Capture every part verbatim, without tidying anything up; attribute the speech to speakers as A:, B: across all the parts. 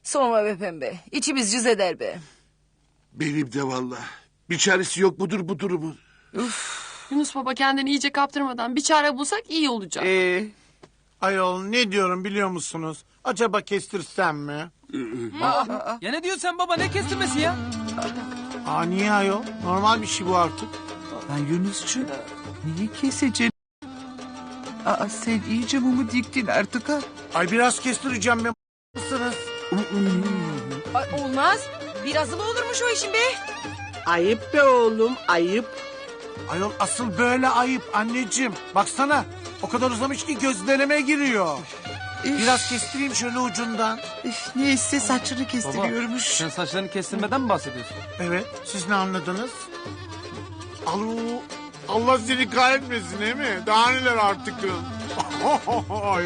A: Sorma be pembe. İçimiz cız eder be.
B: Benim de vallahi. Bir çaresi yok mudur bu durumun?
C: Yunus baba kendini iyice kaptırmadan bir çare bulsak iyi olacak.
D: Ee,
E: Ayol ne diyorum biliyor musunuz? Acaba kestirsem mi?
F: Ya ne diyorsun sen baba, ne kestirmesi ya?
E: Aa niye ayol? Normal bir şey bu artık.
D: lan Yunus'cu niye keseceksin? Aa, sen iyice mumu diktin artık ha.
E: Ay biraz kestireceğim ben mısınız?
A: Ay, olmaz. Birazı mı olurmuş o işin be?
G: Ayıp be oğlum, ayıp.
E: Ayol asıl böyle ayıp anneciğim. Baksana o kadar uzamış ki gözlerime giriyor. Biraz kestireyim şöyle ucundan.
D: Üf, neyse saçını kestiriyormuş.
F: Sen saçlarını kestirmeden mi bahsediyorsun?
E: Evet siz ne anladınız? Alo, Allah seni kahretmesin değil mi? Daha neler artık? Ay.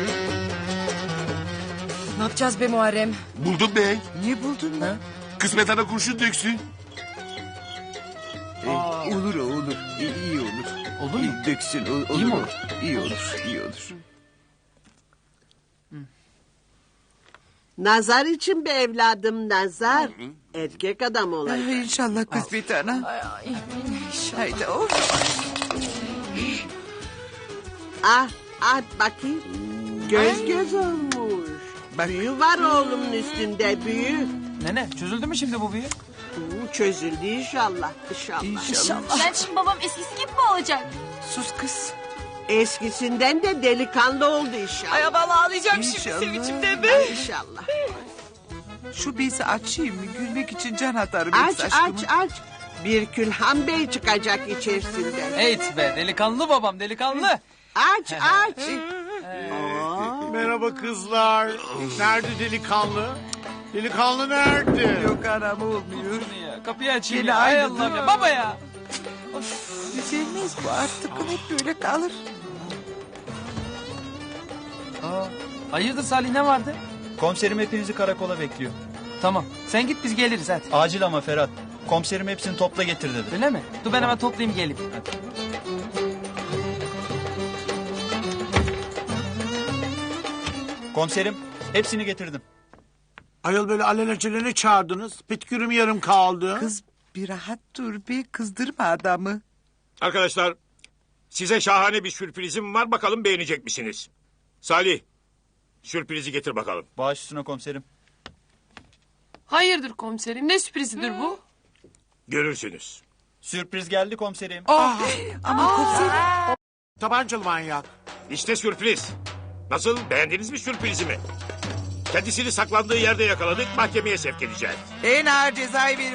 A: Ne yapacağız be Muharrem?
B: Buldum bey.
D: Niye buldun lan?
B: Kısmet ana kurşun döksün.
D: Ee, olur o olur. İyi, iyi olur.
F: Olur mu?
D: İyi döksün. o- olur
F: İyi mi
D: o.
F: olur?
D: İyi olur. İyi olur.
G: Nazar için be evladım, nazar. Erkek adam olacak.
D: Ay, inşallah kısmet ana. Haydi of.
G: Ah, ah bakayım. Göz göz olmuş.
D: Bak.
G: Büyü var oğlumun üstünde, büyü.
F: Nene çözüldü mü şimdi bu büyü?
G: Hı, çözüldü inşallah, inşallah.
D: İnşallah.
H: Ben şimdi babam eskisi gibi mi olacak?
D: Sus kız.
G: Eskisinden de delikanlı oldu inşallah.
A: Ay vallahi ağlayacağım
D: İnşallah.
A: şimdi sevinçimden be.
G: Ay, İnşallah.
D: Şu bezi açayım mı? Gülmek için can atarım.
G: Aç,
D: yoksa aşkımı.
G: aç, aç. Bir Külhan Bey çıkacak içerisinden.
F: Evet be, delikanlı babam, delikanlı.
G: Aç, aç.
E: Merhaba kızlar. Nerede delikanlı? Delikanlı nerede?
D: Yok anam olmuyor.
F: Ya, kapıyı açayım
D: Gene
F: ya. Ay
D: aynı
F: Allah'ım ya.
D: dur.
F: Baba ya.
D: Düzelmez bu artık. Hep böyle kalır.
F: Aa, hayırdır Salih, ne vardı?
I: Komiserim hepinizi karakola bekliyor.
F: Tamam, sen git biz geliriz hadi.
I: Acil ama Ferhat. Komiserim hepsini topla getir dedi.
F: Öyle mi? Dur ben hemen toplayayım geleyim. Hadi.
I: Komiserim hepsini getirdim.
E: Ayol böyle alelacele ne çağırdınız? Petkürüm yarım kaldı.
D: Kız bir rahat dur be. Kızdırma adamı.
J: Arkadaşlar, size şahane bir sürprizim var. Bakalım beğenecek misiniz? Salih, sürprizi getir bakalım.
I: Baş üstüne komiserim.
C: Hayırdır komiserim, ne sürprizidir bu?
J: Görürsünüz.
I: Sürpriz geldi komiserim.
D: Ama komiserim.
E: Tabancalı manyak.
J: İşte sürpriz. Nasıl, beğendiniz mi sürprizimi? Kendisini saklandığı yerde yakaladık, mahkemeye sevk edeceğiz.
D: En ağır cezayı verin.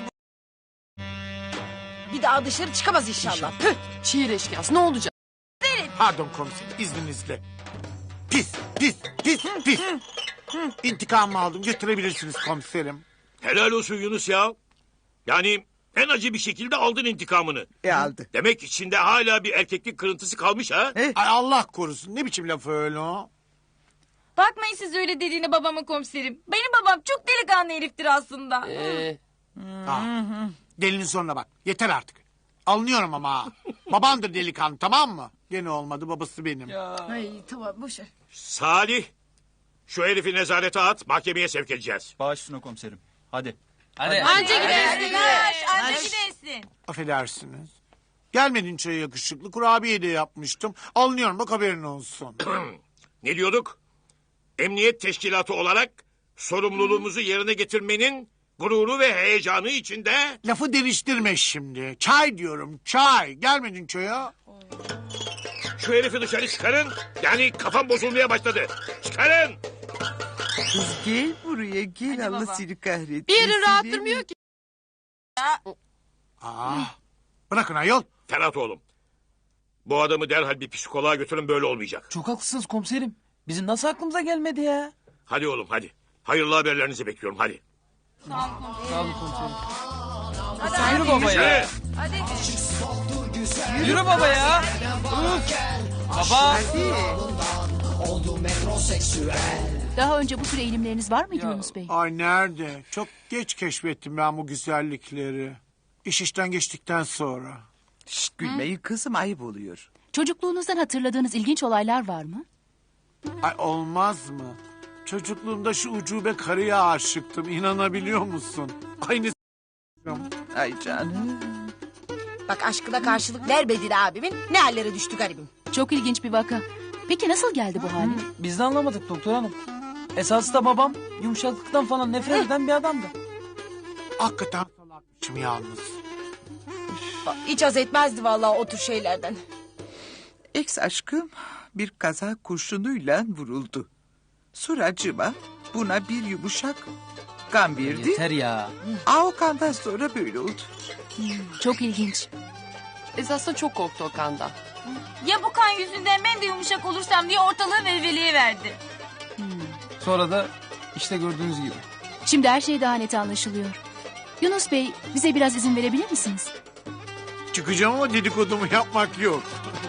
A: Bir daha dışarı çıkamaz inşallah. Püh.
C: Şiir eşkıyası ne olacak?
E: Pardon komiserim izninizle. Pis, pis, pis, pis. İntikamımı aldım götürebilirsiniz komiserim.
J: Helal olsun Yunus ya. Yani en acı bir şekilde aldın intikamını.
D: E aldı.
J: Demek içinde hala bir erkeklik kırıntısı kalmış ha?
D: E?
E: Ay Allah korusun ne biçim laf öyle o?
H: Bakmayın siz öyle dediğine babama komiserim. Benim babam çok delikanlı heriftir aslında.
C: Ee,
E: Ha. Delinin sonuna bak yeter artık. Alınıyorum ama ha. Babandır delikanlı tamam mı? Gene olmadı babası benim.
A: Ay tamam boş ver.
J: Salih, şu herifi nezarete at, mahkemeye sevk edeceğiz.
I: Baş üstüne komiserim. Hadi.
F: Hadi.
H: Anca gidersin. Anca anca gidersin.
E: Affedersiniz. Gelmedin çaya yakışıklı kurabiye de yapmıştım. Alınıyorum bak haberin olsun.
J: Ne diyorduk? Emniyet teşkilatı olarak sorumluluğumuzu yerine getirmenin gururu ve heyecanı içinde...
E: Lafı değiştirme şimdi. Çay diyorum çay. Gelmedin çaya.
J: Şu herifi dışarı çıkarın. Yani kafam bozulmaya başladı. Çıkarın.
D: Kız gel buraya gel. Allah
H: baba.
D: seni kahretsin.
C: bir yerin rahat durmuyor ki.
E: Aa, bırakın ayol.
J: Ferhat oğlum. Bu adamı derhal bir psikoloğa götürün, böyle olmayacak.
F: Çok haklısınız komiserim. Bizim nasıl aklımıza gelmedi ya?
J: Hadi oğlum hadi. Hayırlı haberlerinizi bekliyorum hadi.
F: Sağ olun komiserim. Yürü baba ya.
J: Yürü.
F: Yürü baba ya. Uf. Baba.
D: Hadi.
H: Daha önce bu tür eğilimleriniz var mıydı Yunus Bey?
E: Ay nerede? Çok geç keşfettim ben bu güzellikleri. İş işten geçtikten sonra.
D: Şşt gülmeyin kızım ayıp oluyor.
H: Çocukluğunuzdan hatırladığınız ilginç olaylar var mı?
E: Ay olmaz mı? Çocukluğumda şu ucube karıya aşıktım. İnanabiliyor musun? Aynı
D: Ay canım.
A: Bak aşkına karşılık vermedin abimin. Ne hallere düştü garibim.
K: Çok ilginç bir vaka. Peki nasıl geldi bu hale?
F: Biz de anlamadık doktor hanım. Esası da babam yumuşaklıktan falan nefret eden bir adamdı.
E: hakikaten salakmışım yalnız.
A: Hiç haz etmezdi vallahi o tür şeylerden.
D: Ex aşkım bir kaza kurşunuyla vuruldu. Suracıma buna bir yumuşak kan verdi.
F: Yeter ya.
D: Aa, o kandan sonra böyle oldu.
K: Çok ilginç.
C: Esasında çok korktu o kanda.
H: Ya bu kan yüzünden ben de yumuşak olursam diye ortalığı velveleye verdi.
F: Sonra da işte gördüğünüz gibi.
K: Şimdi her şey daha net anlaşılıyor. Yunus Bey, bize biraz izin verebilir misiniz?
E: Çıkacağım ama dedikodumu yapmak yok.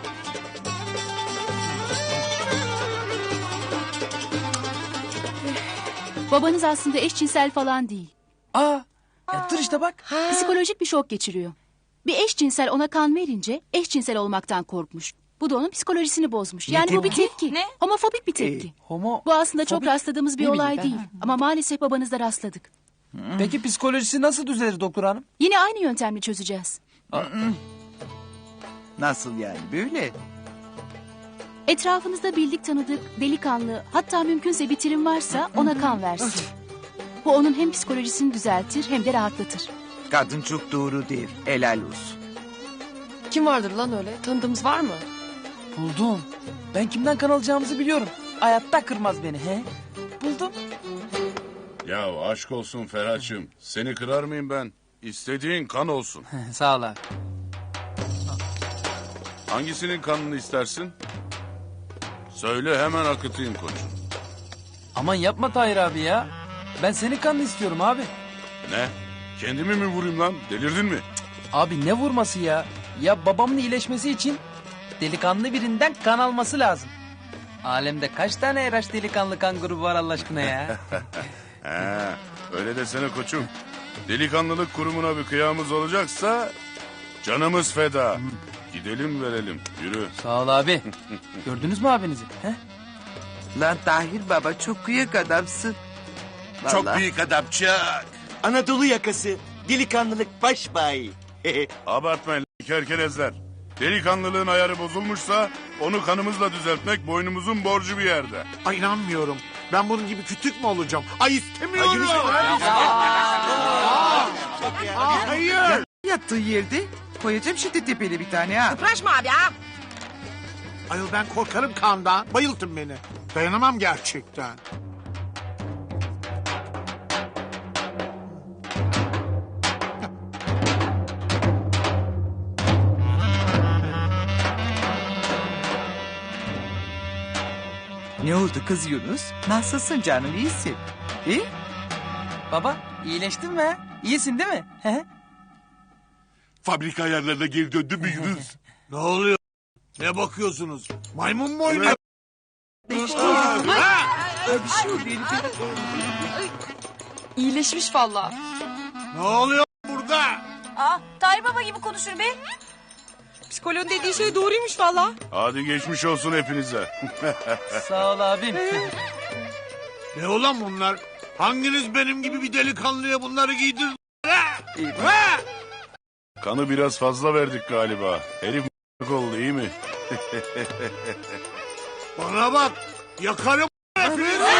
K: Babanız aslında eşcinsel falan değil.
F: Aa, ya dur işte bak.
K: Psikolojik bir şok geçiriyor. Bir eşcinsel ona kan verince eşcinsel olmaktan korkmuş. Bu da onun psikolojisini bozmuş. Yani bu bir tepki.
H: Ne?
K: Homofobik bir tepki.
F: Homo.
K: Bu aslında çok
F: Fobik
K: rastladığımız bir
F: değil miydi?
K: olay
F: Ben-
K: değil. Ama maalesef babanızda rastladık.
F: Peki psikolojisi nasıl düzelir doktor hanım?
K: Yine aynı yöntemle çözeceğiz.
D: Nasıl yani böyle?
K: Etrafınızda bildik tanıdık, delikanlı, hatta mümkünse bitirim varsa ona kan versin. Bu onun hem psikolojisini düzeltir hem de rahatlatır.
D: Kadın çok doğru der. Helal olsun.
C: Kim vardır lan öyle? Tanıdığımız var mı?
F: Buldum. Ben kimden kan alacağımızı biliyorum. Hayatta kırmaz beni he. Buldum.
L: Ya aşk olsun Ferhat'cığım. Seni kırar mıyım ben? İstediğin kan olsun.
F: Sağ ol abi.
L: Hangisinin kanını istersin? Söyle hemen akıtayım koçum.
F: Aman yapma Tahir abi ya. Ben senin kanını istiyorum abi.
L: Ne? Kendimi mi vurayım lan? Delirdin mi?
F: Abi ne vurması ya? Ya babamın iyileşmesi için delikanlı birinden kan alması lazım. Alemde kaç tane eraş delikanlı kan grubu var Allah aşkına ya?
L: He, öyle desene koçum. Delikanlılık kurumuna bir kıyamız olacaksa canımız feda. Gidelim verelim. Yürü.
F: Sağ ol abi. Gördünüz mü abinizi? He?
D: Lan Tahir baba çok kıyak adamsın.
B: Çok
D: Vallahi.
B: büyük adam çok.
M: Anadolu yakası, delikanlılık baş bay.
L: Abartmayın lan kerkelezler. Delikanlılığın ayarı bozulmuşsa onu kanımızla düzeltmek boynumuzun borcu bir yerde.
E: Ay inanmıyorum. Ben bunun gibi kütük mü olacağım? Ay istemiyorum. Aa, hayır.
D: Yattığı yerde koyacağım şimdi tepeli bir tane ha.
A: Kıpraşma abi ha.
E: Ayol ben korkarım kandan. Bayıltın beni. Dayanamam gerçekten.
D: Ne oldu kız Yunus? Nasılsın canım, iyisin? İyi?
F: Baba iyileştin mi? ha? İyisin değil mi? He?
B: Fabrika ayarlarına geri döndü mü Yunus?
E: Ne oluyor? Ne bakıyorsunuz? Maymun mu oynuyor?
D: Bir şey oldu herifin.
C: İyileşmiş vallahi.
E: Ne oluyor burada?
H: Aa, Tahir Baba gibi konuşur be.
A: Psikoloğun dediği şey doğruymuş valla.
L: Hadi geçmiş olsun hepinize.
F: Sağ ol abim.
E: Ne olan bunlar? Hanginiz benim gibi bir delikanlıya bunları giydirdin?
L: Kanı biraz fazla verdik galiba. Herif oldu iyi mi?
E: Bana bak. Yakarım hepinizi.